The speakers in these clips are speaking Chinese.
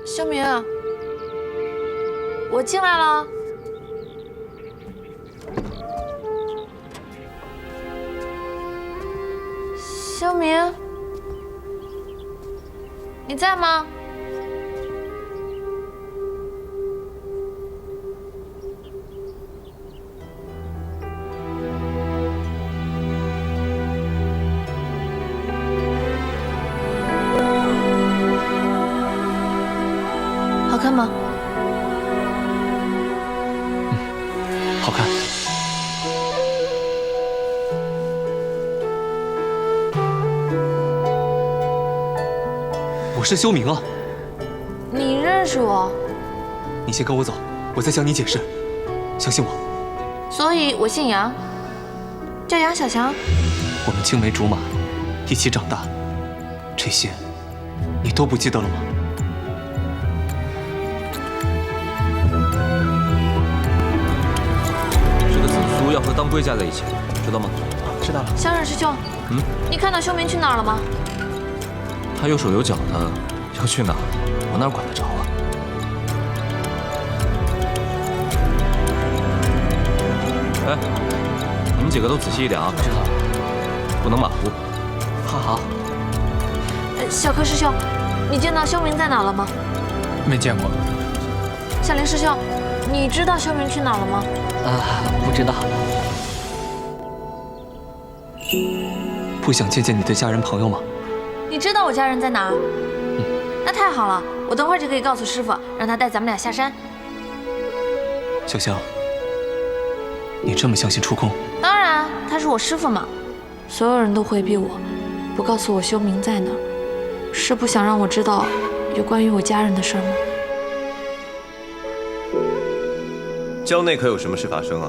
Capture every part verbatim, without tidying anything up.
修明，我进来了。修明，你在吗？好看吗？ 嗯，好看。我是修明啊。 你认识我？ 你先跟我走，我再向你解释。相信我。 所以我姓杨，叫杨小翔。 我们青梅竹马，一起长大，这些你都不记得了吗？ 要和当归加在一起，知道吗？ 知道了。 小冉师兄，嗯，你看到修明去哪儿了吗？ 他有手有脚的，要去哪儿，我哪管得着啊？哎，你们几个都仔细一点啊！ 知道了， 不能马虎。 好好。 呃，小柯师兄，你见到修明在哪了吗？ 没见过。 小林师兄，你知道修明去哪了吗？ 啊，不知道。不想见见你的家人朋友吗？ 你知道我家人在哪儿？嗯，那太好了，我等会儿就可以告诉师傅，让他带咱们俩下山。 小香，你这么相信触空？ 当然，他是我师傅嘛。所有人都回避我，不告诉我修明在哪儿，是不想让我知道有关于我家人的事吗？ 郊内可有什么事发生啊？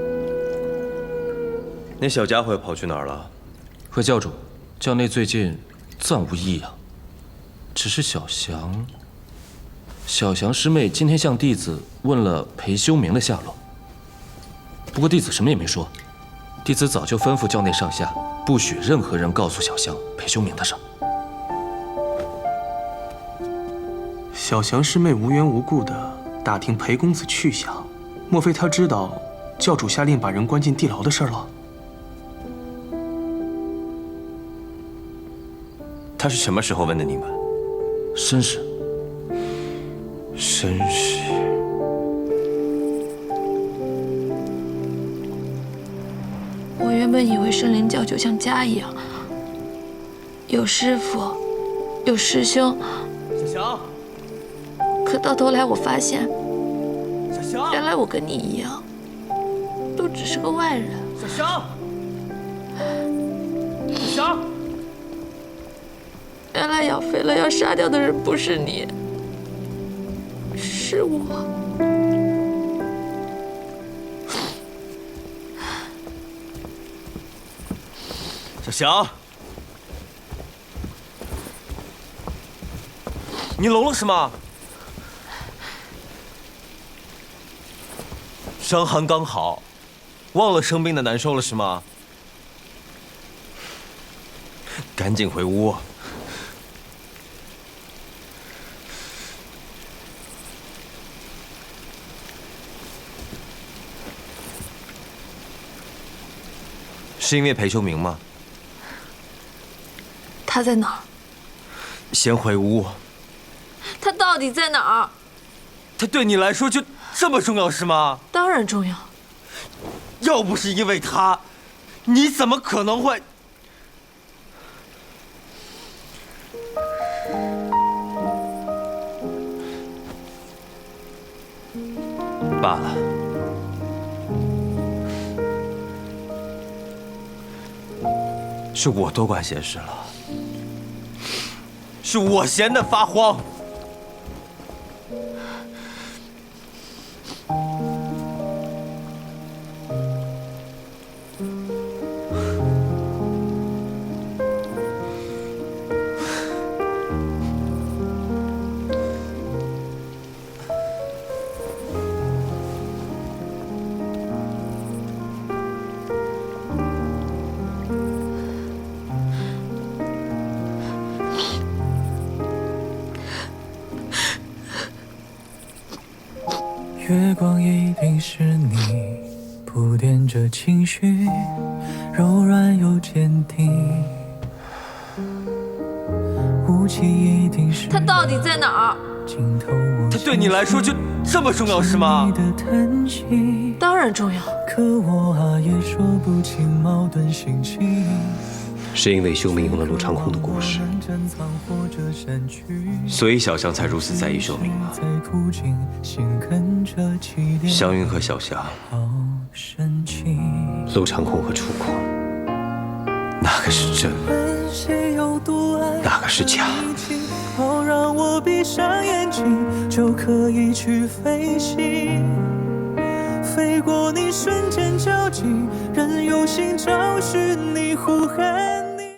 那小家伙又跑去哪儿了？ 回教主，教内最近暂无异样，只是小翔，小翔师妹今天向弟子问了裴修明的下落。不过弟子什么也没说，弟子早就吩咐教内上下，不许任何人告诉小翔裴修明的事。 小翔师妹无缘无故的打听裴公子去向。 莫非他知道教主下令把人关进地牢的事了？ 他是什么时候问的你们？ 申时。 申时。 我原本以为圣灵教就像家一样，有师傅，有师兄。 小翔。 可到头来，我发现。 原来我跟你一样，都只是个外人。 小翔，小翔， 原来养肥了要杀掉的人不是你，是我。 小翔，你聋了是吗？ 伤寒刚好，忘了生病的难受了是吗？赶紧回屋。是因为裴修明吗？ 他在哪儿？ 先回屋。 他到底在哪儿？ 他对你来说就。 这么重要是吗？ 当然重要。 要不是因为他，你怎么可能会？罢了，是我多管闲事了，是我闲得发慌。 月光一定是你铺垫着情绪，柔软又坚定。雾气一定是他到底在哪儿？ 尽头我他对你来说就这么重要是吗？ 当然重要。 可我啊也说不清矛盾心情。 是因为修明用了陆长空的故事，所以小翔才如此在意修明吗？湘云和小霞，陆长空和楚空，哪个是真，哪个是假？ 好让我闭上眼睛，就可以去飞行，飞过你瞬间交集，任由心找寻你呼喊。